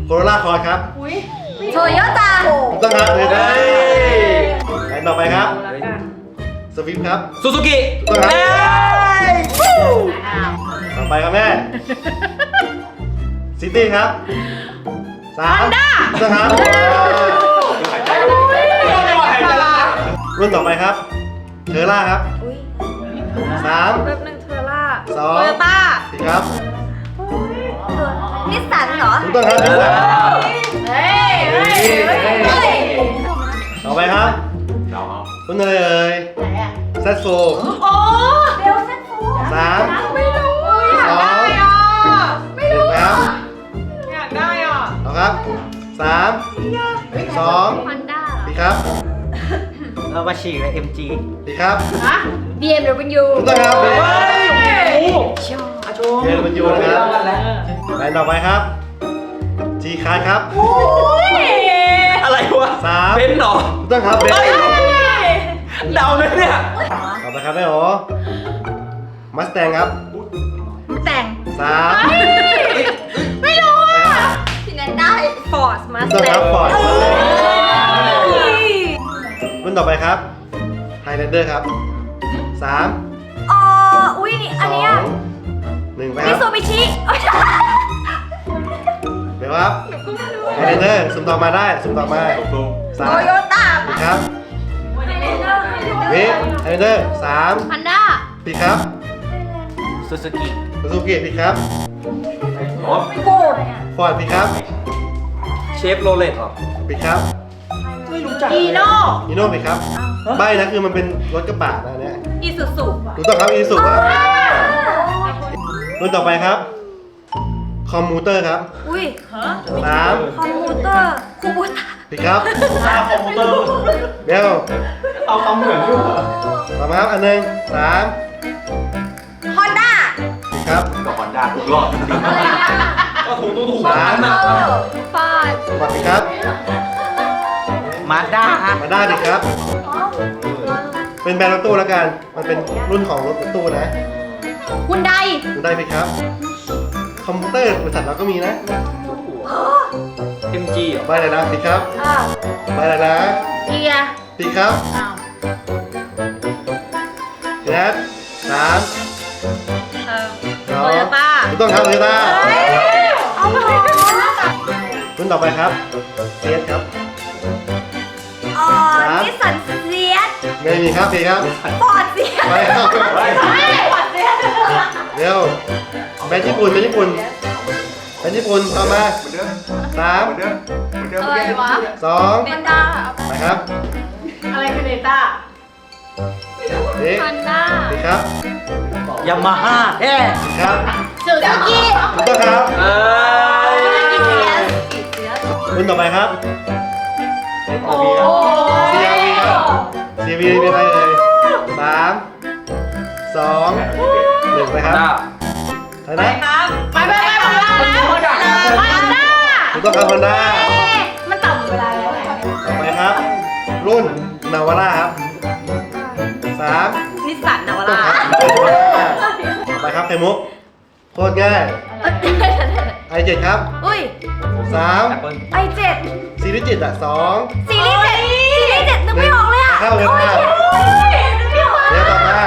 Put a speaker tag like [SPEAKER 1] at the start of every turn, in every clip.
[SPEAKER 1] โรล่าคอร์สครับ
[SPEAKER 2] โตโยต้า
[SPEAKER 1] ถูกต้องครับเลยได้แผนต่อไปครับสวิฟครับ
[SPEAKER 3] ซูซูกิ
[SPEAKER 1] ถูกต้องครับต่อไปครับแม่ซิตี้ครับ3
[SPEAKER 2] Honda
[SPEAKER 1] ถูกต้องครับรุ่นต่อไปครับเทอร่าครับ3
[SPEAKER 2] แป๊บนึงเทอร่า
[SPEAKER 1] 2
[SPEAKER 2] โตโยต้า
[SPEAKER 1] ผิดครับ
[SPEAKER 2] นิสสันเหรอ
[SPEAKER 1] ถูกต้องครับนิสสัน
[SPEAKER 2] เฮ้ยเฮ้ยเฮ้ย
[SPEAKER 1] ต่อไปครับรุ่นอะไรเอ่ยแซดโฟ
[SPEAKER 2] โอ้เบลเซนฟู
[SPEAKER 1] 3
[SPEAKER 2] ไม่รู้อยากได้อ่ะไม่รู้
[SPEAKER 1] 1ครับ
[SPEAKER 2] อยากได้อ่ะ
[SPEAKER 1] เอาครับ3 2
[SPEAKER 2] Honda
[SPEAKER 1] ผิดครับ
[SPEAKER 3] เรามาฉีกเลย MG
[SPEAKER 1] ผิดครับ
[SPEAKER 2] ฮะ BMW
[SPEAKER 1] ถูกต้องครับ
[SPEAKER 2] ชอบ
[SPEAKER 1] เรียนมันอยู่นะครับแผนต่อไปครับจีคาร์ครับ
[SPEAKER 3] อะไรวะ
[SPEAKER 1] 3
[SPEAKER 3] เบนซ์เหรอ
[SPEAKER 1] ถูกต้องครับเบนซ์
[SPEAKER 3] เดาไหมเนี่ย
[SPEAKER 1] ต่อไปครับแม่โอมัสแตงครับ
[SPEAKER 2] แต่ง
[SPEAKER 1] 3
[SPEAKER 2] ไม่รู้อ่ะที่นั้นได้ Ford
[SPEAKER 1] ถูก
[SPEAKER 2] Mustang
[SPEAKER 1] ต้องครับฟอร์ดรุ่นต่อไปครับไฮแลนเดอร์ครับ3
[SPEAKER 2] อ๋ออุ้ยนี่อันเนี้ย
[SPEAKER 1] 2 1ไปค
[SPEAKER 2] มิ
[SPEAKER 1] รับ
[SPEAKER 2] ซูบิชิ
[SPEAKER 1] เดี๋ยวครับไฮแลนเดอร์สุ่มต่อมาได้สุ่มต่อมา
[SPEAKER 2] โต
[SPEAKER 1] 3
[SPEAKER 2] โยต้า
[SPEAKER 1] ผิดครับวิไฮแลนเดอร์3
[SPEAKER 2] ฮันด้า
[SPEAKER 1] ผิดครับ
[SPEAKER 3] ซูซูกิ
[SPEAKER 1] ซูซูกิผิดครับ
[SPEAKER 2] โกด
[SPEAKER 1] ฟอร์ดผิดครับ
[SPEAKER 3] เชฟโรเลตเหรอ
[SPEAKER 1] ผิดครับ
[SPEAKER 3] ไม่รู้จัก
[SPEAKER 2] อีโน่
[SPEAKER 1] อีโน่ผิดครับใบนะคือมันเป็นรถกระบะนะเนี่ย
[SPEAKER 2] อีซูซู
[SPEAKER 1] ถูกต้องครับอีสุครับรุ่นต่อไปครับคอมมูเตอร์ครับ
[SPEAKER 2] อุ้ย
[SPEAKER 1] 3
[SPEAKER 2] คอมพิวเตอร์คูบูต้า
[SPEAKER 1] ผิดครับเบล
[SPEAKER 3] เอาคำเหมือนด้วย
[SPEAKER 1] ต่อมาครับอันหนึ่ง3
[SPEAKER 2] ฮอนด้า
[SPEAKER 1] ผิดครับ
[SPEAKER 3] กับฮอนด้าทุกรอบก็ถูก
[SPEAKER 1] 3
[SPEAKER 2] ฟาด
[SPEAKER 1] ฟอร์ดผิดครับ
[SPEAKER 3] มาด้า
[SPEAKER 1] มาด้าผิดครับ เป็นแบรนด์รถตู้แล้วกันมันเป็นรุ่นของรถตู้นะ
[SPEAKER 2] ฮุนได
[SPEAKER 1] ดูได้ผิดครับคอมพิวเตอร์บริษัทเราก็มีนะ
[SPEAKER 3] เอ็มจีเหรอ
[SPEAKER 1] ใบอะไรนะผิดครับใบอะไรนะ
[SPEAKER 2] เกียร์
[SPEAKER 1] ผิดครับ
[SPEAKER 2] อ้าว
[SPEAKER 1] แนท3
[SPEAKER 2] โตโยต้า
[SPEAKER 1] ถูกต้องครับโตโยต้า
[SPEAKER 2] เอาไป
[SPEAKER 1] รุ่นต่อไปครับเซียสครับ
[SPEAKER 2] อ๋อนิสสันเซียส
[SPEAKER 1] ไม่มีครับผิดครับ
[SPEAKER 2] ฟอร์ดเซียส
[SPEAKER 1] ไปครับ
[SPEAKER 2] ฟอร์ดเซียส
[SPEAKER 1] เร็วแบรนด์ญี่ปุ่นแบรนด์ญี่ปุ่นแบรนด์ญี่ปุ่นต่อมา3
[SPEAKER 2] อะไรวะ
[SPEAKER 1] 2
[SPEAKER 2] เนต้า
[SPEAKER 1] ไปครับ
[SPEAKER 2] อะไรคือเนต้า
[SPEAKER 1] นี่
[SPEAKER 2] ฮอนด้า
[SPEAKER 1] ผิดครับ
[SPEAKER 3] ยามาฮ่าแฮ่
[SPEAKER 1] ผิดครับ
[SPEAKER 2] ซูซูกิ
[SPEAKER 1] ถูกต้องครับ
[SPEAKER 3] เอ้ย
[SPEAKER 1] รุ่นต่อไปครับ
[SPEAKER 2] โอ้
[SPEAKER 1] CRV ครับ CRV เป็นอะไรเลย3 2 1ไปครับ
[SPEAKER 3] ด้า
[SPEAKER 1] ใช่ไหม
[SPEAKER 2] ไปฮอนด้าฮอนด้า
[SPEAKER 1] ถูกต้องครับ Honda
[SPEAKER 2] มันต่ำเวลาแล้วไง
[SPEAKER 1] ต่อไปครับ รุ่นนาวาร่าครับ3
[SPEAKER 2] นิสสันนาวา
[SPEAKER 1] ต้อง
[SPEAKER 2] ร่า
[SPEAKER 1] ครับต่อไปครับไข่มุกโคตรง่าย i7 ครับ
[SPEAKER 2] อุ้ย
[SPEAKER 1] 3
[SPEAKER 2] i7
[SPEAKER 1] ซีรีส์จิตอ่ะ2
[SPEAKER 2] ซีรีส์เจ็ดนึกไม่ออกเลยอ่ะ
[SPEAKER 1] เข้าเลยค่ะ
[SPEAKER 2] นึกไม่ออก
[SPEAKER 1] เดี๋ยวต่อมา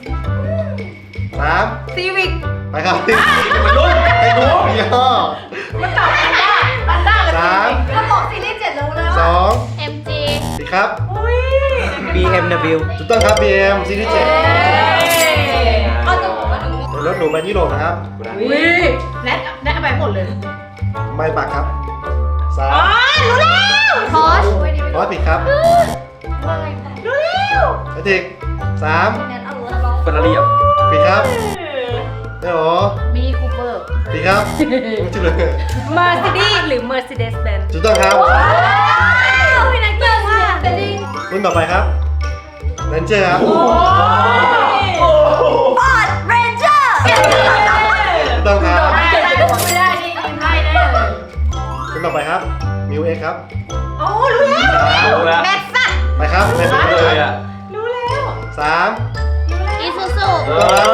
[SPEAKER 1] 3
[SPEAKER 2] ซีวิก
[SPEAKER 1] ไปครับ
[SPEAKER 3] รุ่น
[SPEAKER 1] ไข่มุกยี่ห้อ
[SPEAKER 2] มันต่ำกันได้มันได้
[SPEAKER 1] 3
[SPEAKER 2] ก็บอกซีรีส์เจ็ดรู้แล้ว
[SPEAKER 1] 2
[SPEAKER 2] MG
[SPEAKER 1] ผิดครับ
[SPEAKER 2] อุ้ย
[SPEAKER 3] BMW
[SPEAKER 1] ถูกต้องครับ BM ซีรีส์7
[SPEAKER 2] เอาตัวผมมาดู
[SPEAKER 1] เป็นรถหรูแบรนด์ยุโรปนะครับ
[SPEAKER 2] อุ้ยแนทเอาไปหมดเลย
[SPEAKER 1] ไม่ปักครับ
[SPEAKER 2] อ๋อ
[SPEAKER 1] 3
[SPEAKER 2] รู้แล้วพอช
[SPEAKER 1] พอสผิดครับ
[SPEAKER 2] รู้แล้ว
[SPEAKER 1] ไอทิก3
[SPEAKER 2] แนทเอารู้แล้ว
[SPEAKER 3] เฟอร์รารี่อ่ะ
[SPEAKER 1] ผิดครับไม่โอ้
[SPEAKER 2] มีคูเปอร์
[SPEAKER 1] ผิดครับไม่ชื่อเลย
[SPEAKER 2] Mercedes หรือ Mercedes Benz
[SPEAKER 1] ถูกต้องครับ
[SPEAKER 2] ว้าวพี่นักเก่งมากแต่ดิ
[SPEAKER 1] รุ่นต่อไปครับเรนเจอร์ครับ
[SPEAKER 2] Ford Ranger
[SPEAKER 1] ถูกต้องครับ
[SPEAKER 2] ไม่ได้ไม่ได้นี่กินได้แน่เลย
[SPEAKER 1] รุ่นต่อไปครับมิวเอ็กครับ
[SPEAKER 2] โอ้รู้แล้ว
[SPEAKER 3] รู้แล้ว
[SPEAKER 2] แม็กซัส
[SPEAKER 1] ไปครับในสุด
[SPEAKER 3] เล
[SPEAKER 1] เลย ย
[SPEAKER 3] อ่ะ
[SPEAKER 2] รู้แล้ว
[SPEAKER 1] 3
[SPEAKER 2] อีซูซู
[SPEAKER 1] ถูกต้องครับ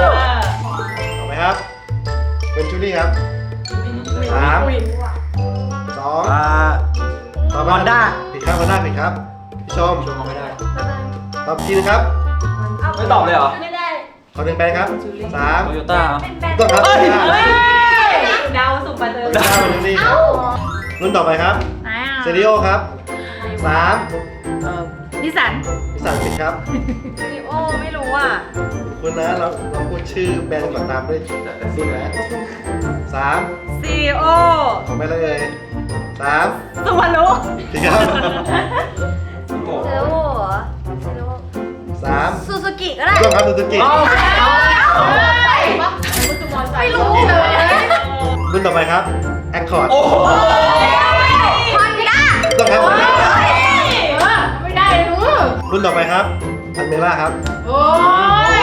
[SPEAKER 1] ต่อไปครับเวนจูรี่ครับ3 2 ต่อไป
[SPEAKER 3] Honda
[SPEAKER 1] ผิดครับ Honda ผิดครับพี่ชมไม่ได้ตอบทีนะครับ
[SPEAKER 3] ไม่ตอบเลยเหรอ
[SPEAKER 2] ไม่ได้
[SPEAKER 1] ขอหนึ่งแปลงครับ
[SPEAKER 3] โตโยต้า
[SPEAKER 2] เป็นแบรนด์
[SPEAKER 1] ต้องครับ
[SPEAKER 3] เฮ้ย
[SPEAKER 2] เดาสุ่มไปเลย
[SPEAKER 1] ได้มาดีครับรุ่นต่อไปครับเซริโอครับ 3
[SPEAKER 2] นิสัน
[SPEAKER 1] นิสสันผิดครับ
[SPEAKER 2] ซีโอไม่รู้อ่ะ
[SPEAKER 1] คุณนะเราพูดชื่อแบรนด์ก่อนตามด้วยรุ่นนะ3
[SPEAKER 2] ซีโอ
[SPEAKER 1] ของแม่เลย3
[SPEAKER 2] สุวรรณุ
[SPEAKER 1] ผิดครับ
[SPEAKER 2] เซโอเซโอ
[SPEAKER 1] 3
[SPEAKER 2] ซูซูกิก็ได้
[SPEAKER 1] ต้องครับซูซูกิ
[SPEAKER 2] ไม่รู้เลย
[SPEAKER 1] รุ่นต่อไปครับแอคคอร์ด
[SPEAKER 3] โอ้โห
[SPEAKER 2] ฮอนด้า
[SPEAKER 1] ต้องครับ
[SPEAKER 2] ไม่ได้เลยรู้
[SPEAKER 1] รุ่นต่อไปครับอันเมล่าครับ
[SPEAKER 2] โอ้ย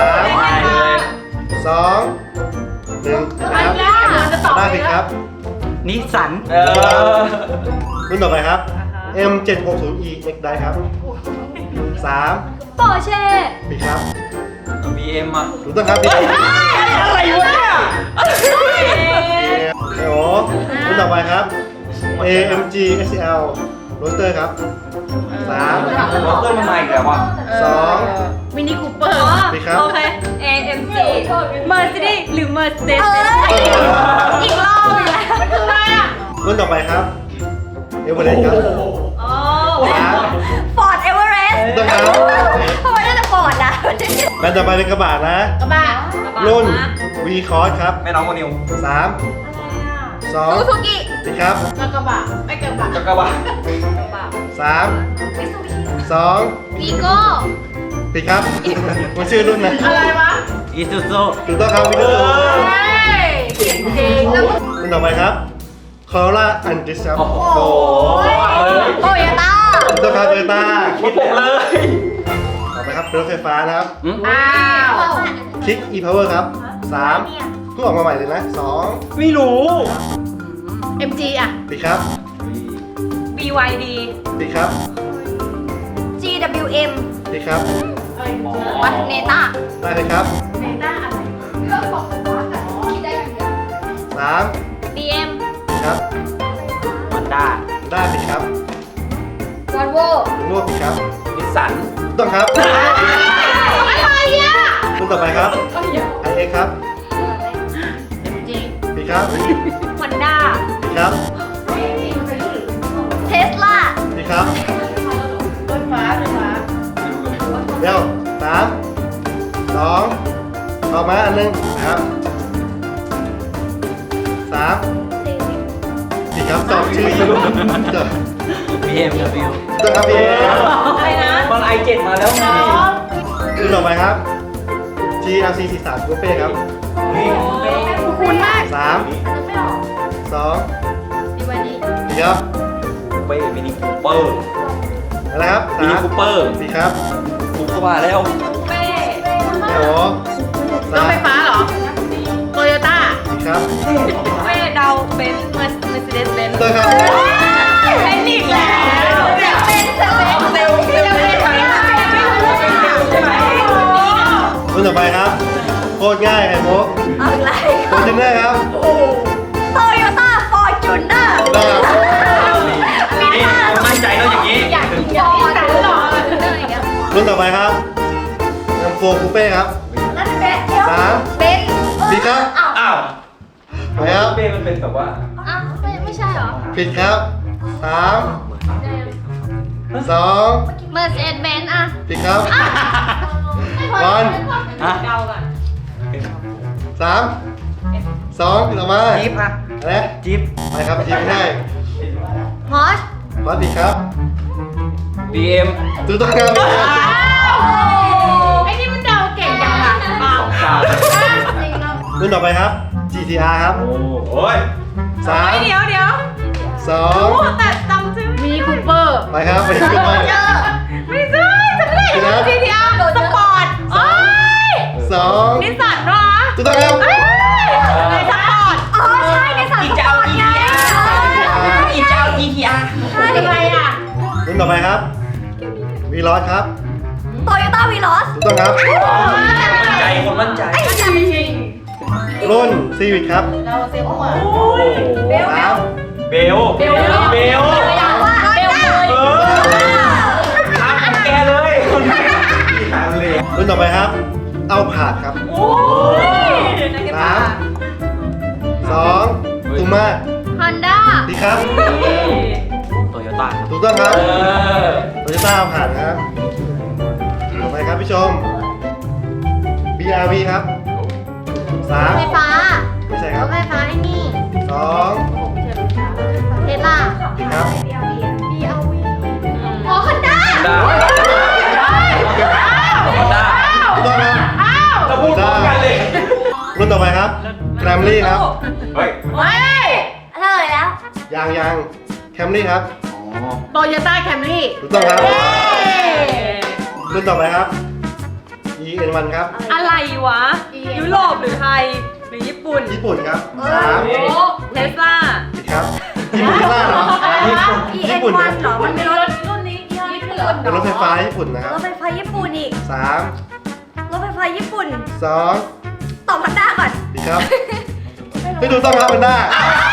[SPEAKER 1] 3 2 1นะครับได้ผิดครับ
[SPEAKER 3] นิสสัน
[SPEAKER 1] รุ่นต่อไปครับ M760E X ได้ครับ 3
[SPEAKER 2] ปอร์เช่
[SPEAKER 1] ผิดครับ
[SPEAKER 3] BM อ่ะ
[SPEAKER 1] ถูกต้องครับผิด
[SPEAKER 3] อะไรวะเนี่ย
[SPEAKER 1] โอ้รุ่นต่อไปครับ AMG SL Roadster ครับ 3
[SPEAKER 3] รถเตอร์มันมาอีกแล้วอ่ะ
[SPEAKER 1] 2
[SPEAKER 2] มินิคูเปอร์
[SPEAKER 1] ผิดครับ
[SPEAKER 2] โอเค AMG Mercedes หรือ Mercedes อีกรอบอีกแล้วมันคืออะไรอ่ะ
[SPEAKER 1] รุ่นต่อไปครับเอเวอเรสต์ครับ
[SPEAKER 2] อ๋อ
[SPEAKER 1] 3
[SPEAKER 2] ฟอร์ดเอเวอเรสต์
[SPEAKER 1] ถูกต้องครับ
[SPEAKER 2] ทำไมได้แต่ฟอร์ดอ่ะ
[SPEAKER 1] แบรนด์ต่อไปเป็นกระบะนะ
[SPEAKER 2] กระบะ
[SPEAKER 1] รุ่น V Cross ครับ
[SPEAKER 3] แม่น้องโมนิว
[SPEAKER 1] 3
[SPEAKER 2] ซู
[SPEAKER 1] 2
[SPEAKER 2] ซูกิ
[SPEAKER 1] ผิดครับ
[SPEAKER 2] กระบะไม่กระบะ
[SPEAKER 3] จักรบาล
[SPEAKER 1] 3
[SPEAKER 2] มิซูบิชิ
[SPEAKER 1] 2
[SPEAKER 2] วีโก้
[SPEAKER 1] ผิดครับ มันชื่อรุ่นนะ
[SPEAKER 2] อะไรวะ
[SPEAKER 3] อีซูซู
[SPEAKER 1] ถูกต้องครับวิดีโอ
[SPEAKER 2] เก่งจริงแล้วก็
[SPEAKER 1] รุ่นต่อไปครับ Corolla Altis ครับ
[SPEAKER 3] โอ้โห
[SPEAKER 2] โตโยต้า
[SPEAKER 1] ถูกต้องครับโตโยต้า
[SPEAKER 3] คิดผมเลย
[SPEAKER 1] ต่อไปครับเป็นรถไฟฟ้านะครับ
[SPEAKER 2] อ้าว
[SPEAKER 1] Kick e-Power ครับ 3เพิ่งออกมาใหม่เลยนะ
[SPEAKER 3] ไม่รู้
[SPEAKER 2] MG อ่ะ
[SPEAKER 1] 2ผิดครับ
[SPEAKER 2] BYD
[SPEAKER 1] ผิดครับ
[SPEAKER 2] GWM
[SPEAKER 1] ผิดครับ
[SPEAKER 2] วัดเนต้า
[SPEAKER 1] ได้เลยครับ
[SPEAKER 2] เนต้าอะไรเครื่องบอกไฟฟ้าแต่คิดได้กันเยอะ
[SPEAKER 1] 3
[SPEAKER 2] BM
[SPEAKER 1] ผิดครับ
[SPEAKER 3] ฮอนด้า
[SPEAKER 1] ได้ผิดครับ
[SPEAKER 2] วอลโว่
[SPEAKER 1] รวบผิดครับ
[SPEAKER 3] นิสสัน
[SPEAKER 1] ถูกต้องครับ
[SPEAKER 2] อะไรอ่ะ
[SPEAKER 1] รุ่นต่อไปครับ iX ครับ
[SPEAKER 2] MG
[SPEAKER 1] ผิดครับ
[SPEAKER 2] ฮอนด้า
[SPEAKER 1] ผิดครับ
[SPEAKER 2] เทสลา
[SPEAKER 1] ผิดครับ
[SPEAKER 2] รถฟ้า
[SPEAKER 1] เร็ว3 2ต่อมาอันหนึงนะครับ3ผิดครับตอบชื่ออยู่จบ
[SPEAKER 3] BMW
[SPEAKER 1] ต้องครับพี่
[SPEAKER 2] อะไรนะ
[SPEAKER 3] มัน i7 มาแล้วไง
[SPEAKER 1] รุ่นต่อไปครับ GLC 43 Coupe ครับ
[SPEAKER 2] คุณมาก
[SPEAKER 1] 3
[SPEAKER 2] ไม่ออก
[SPEAKER 1] 2
[SPEAKER 2] ดีวันนี้
[SPEAKER 1] ผิดครับ
[SPEAKER 3] เป้มินิคูเปอร์
[SPEAKER 1] อะไรครับ
[SPEAKER 3] มินิคูเปอร์
[SPEAKER 1] ผิดครับ
[SPEAKER 3] ถูกเข้ามาแล้ว
[SPEAKER 2] เป้
[SPEAKER 1] เดี๋ยว
[SPEAKER 2] รถไฟฟ้าเหรอโตโยต้า
[SPEAKER 1] ผิดครับ
[SPEAKER 2] เป้เดาเป็นเมอร์เซเดสเบนซ์
[SPEAKER 1] ต้องครับ
[SPEAKER 2] เป็นอีกแล้วเป็นเซเว่นเซเว่นไม่รู้ใช่ไหม
[SPEAKER 1] รุ่นต่อไปครับ โคตรง่ายไข่มุก
[SPEAKER 2] อะไร
[SPEAKER 1] โคตรเนอร์ครับ
[SPEAKER 2] โตโยต้าฟอร์จูเนอร์
[SPEAKER 1] ได้ครับ
[SPEAKER 3] นี่มั่นใจแล้วอย่างนี้
[SPEAKER 2] อยากฟอร์จูเนอร์อย่างเงี้ย
[SPEAKER 1] รุ่นต่อไปครับ M4 Coupe ครับ
[SPEAKER 2] นั่นเป็นเบน
[SPEAKER 1] ผิดครับ
[SPEAKER 3] อ้าว
[SPEAKER 1] ไปครับ
[SPEAKER 3] เป้มันเป็นแบบว่า
[SPEAKER 2] อ้าวไม่ใช่เหรอ
[SPEAKER 1] ผิดครับ3 2
[SPEAKER 2] เมอร์เซเดสเบนซ์อ่ะ
[SPEAKER 1] ผิดครับบอล
[SPEAKER 3] ฮะ
[SPEAKER 2] เดาก่อน
[SPEAKER 1] 3 2ต่อมา
[SPEAKER 3] จิ๊บอะ
[SPEAKER 1] อะไร
[SPEAKER 3] จิ๊บ
[SPEAKER 1] ไปครับทีมให้
[SPEAKER 2] ฮอช
[SPEAKER 1] บอลผิดครับ
[SPEAKER 3] BM
[SPEAKER 1] ถูกต้องครับ
[SPEAKER 2] ไอ้นี่มันเดาเก่งจังอ่ะ
[SPEAKER 1] รุ่นต่อไปครับ GTR ครับ
[SPEAKER 3] โอ้ย
[SPEAKER 2] เดี๋ยว
[SPEAKER 1] 2
[SPEAKER 2] แต่จำชื่อมินิคูเปอร์
[SPEAKER 1] ไปครับไปขึ้นมา
[SPEAKER 2] ไม่ใช่จะไม่ได้ GTR สปอร์ตโอ้ย
[SPEAKER 1] 2
[SPEAKER 2] นิสสันวะ
[SPEAKER 1] ถูกต้องครับ
[SPEAKER 2] ในสปอร์ตอ๋อใช่ในสปอร์ต
[SPEAKER 3] อีกจะเอา GTR อีกจะเอา GTR
[SPEAKER 2] ใช่อะไรอ่ะ
[SPEAKER 1] รุ่นต่อไปครับ วีลอสครับ
[SPEAKER 2] โตโยต้าวีลอส
[SPEAKER 1] ถูกต้องครับ
[SPEAKER 3] ใจคนมั่นใจ
[SPEAKER 1] รุ่นซีวิ c ครับ
[SPEAKER 2] เราเซลล์มา
[SPEAKER 3] โอ้โห
[SPEAKER 1] 3
[SPEAKER 3] เบเบล
[SPEAKER 2] เบล
[SPEAKER 3] เบล
[SPEAKER 2] เบลเลย
[SPEAKER 3] เออทำของแกเลยทำเลย
[SPEAKER 1] รุ่นต่อไปครับ เอาผาดครับ
[SPEAKER 2] โอ้ย
[SPEAKER 1] สามสองตูมา
[SPEAKER 2] ฮอนด้า
[SPEAKER 1] ดีครับ
[SPEAKER 3] โตโยต้า
[SPEAKER 1] ถูกต้องครับ
[SPEAKER 3] เออ
[SPEAKER 1] โตโยต้าเอาผาดครับต่อไปครับพี่ชม BRV ครับสาม
[SPEAKER 2] ไฟฟ้า
[SPEAKER 1] ไม่ใช่ค
[SPEAKER 2] ร
[SPEAKER 1] รับ
[SPEAKER 2] ถไฟฟ้าไอ้นี่
[SPEAKER 1] สอง
[SPEAKER 2] เทสลา
[SPEAKER 1] ดีครับ
[SPEAKER 2] BRV อ๋อฮอนด้า
[SPEAKER 3] ด้าด้า
[SPEAKER 1] ถูกต้องครับ
[SPEAKER 3] เราพูดพร้อมกันเลย
[SPEAKER 1] รุ่นต่อไปครับแกรมลี่ครับ
[SPEAKER 3] เฮ้ย
[SPEAKER 2] เฮ้ยเท่าไหร่แล้ว
[SPEAKER 1] ยังแคมรี่ครับ
[SPEAKER 3] อ๋อ
[SPEAKER 2] โตโยต้าแคมรี่
[SPEAKER 1] ถูกต้องครับ รุ่นต่อไปครับ EN1 ครับ
[SPEAKER 2] อะไรวะ ยุโรปหรือไทย หรือญี่ปุ่น
[SPEAKER 1] ญี่ปุ่นครับสาม
[SPEAKER 2] เทสลา
[SPEAKER 1] ผิดครับญี่ปุ่นล่าเหรอญี่ปุ่นครับ
[SPEAKER 2] เหรอ มันเป็นรถรุ่นนี้ยี่ห้อญี่ปุ่น
[SPEAKER 1] เป็นรถไฟฟ้าญี่ปุ่นนะครับ
[SPEAKER 4] รถไฟฟ้าญี่ปุ่นอีก
[SPEAKER 1] สาม
[SPEAKER 4] รถไฟฟ้าญี่ปุ่น
[SPEAKER 1] สอง
[SPEAKER 4] ตอบฮอนด้าก่อน
[SPEAKER 1] ผิดครับไม่ถูกต้องครับมันได้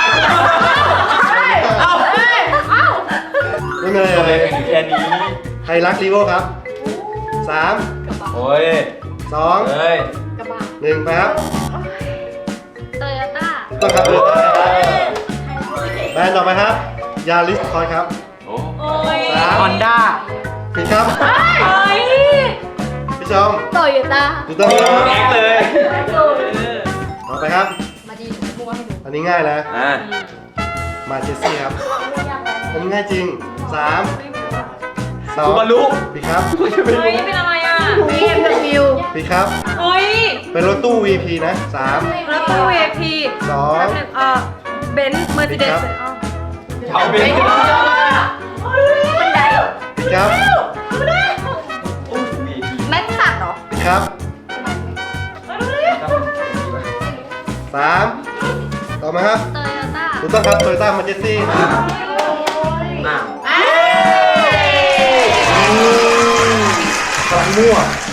[SPEAKER 3] เอ้า
[SPEAKER 1] รุ่นอะไร
[SPEAKER 3] ตัว
[SPEAKER 1] เล
[SPEAKER 3] เล็
[SPEAKER 1] ย
[SPEAKER 3] กแค่นี้
[SPEAKER 1] ไฮรักรีโวครับสาม
[SPEAKER 3] โอ้ย
[SPEAKER 1] สอง
[SPEAKER 3] เฮ้ย
[SPEAKER 1] หนึ่งไปครับ
[SPEAKER 2] โตโยต้า
[SPEAKER 1] ต้องครับเลยแบรนด์ต่อไปครับ ยาริสคอยครับ
[SPEAKER 3] โอ้
[SPEAKER 2] โอ้ย
[SPEAKER 1] สาม
[SPEAKER 3] ฮอนด้า
[SPEAKER 1] ผิดครับ
[SPEAKER 2] เฮ้ย
[SPEAKER 1] พี่ชม
[SPEAKER 2] โตโยต้า
[SPEAKER 1] ถูกต้องครับ
[SPEAKER 3] แอกเลย
[SPEAKER 1] ต่อไปครับ
[SPEAKER 2] มาดีมัวให้ดู
[SPEAKER 1] อันนี้ง่ายนะ
[SPEAKER 3] อ่า
[SPEAKER 1] มาเจสซี่ครับ อันนี้ง่ายจริงสามสอง
[SPEAKER 3] ซูบารุ
[SPEAKER 1] ผิดครับ
[SPEAKER 2] เฮ้ย เป็นอะไรอ่ะ BMW
[SPEAKER 1] ผิดครับ
[SPEAKER 2] เฮ้ย
[SPEAKER 1] เป็นรถตู้ VP นะสาม
[SPEAKER 2] รถตู้ VIP
[SPEAKER 1] สอง
[SPEAKER 2] เบนซ์เมอร์เซเดส
[SPEAKER 3] เอาเป็น
[SPEAKER 4] บันได
[SPEAKER 1] ผิดครับ
[SPEAKER 4] แม็กซัสเหรอ
[SPEAKER 1] ผิดครับสามต่อมาครับ
[SPEAKER 2] โตโยต้า
[SPEAKER 1] ถูกต้องครับโตโยต้ามาเจสซี่ครับ
[SPEAKER 3] อ้าว
[SPEAKER 1] กำลังมั่ว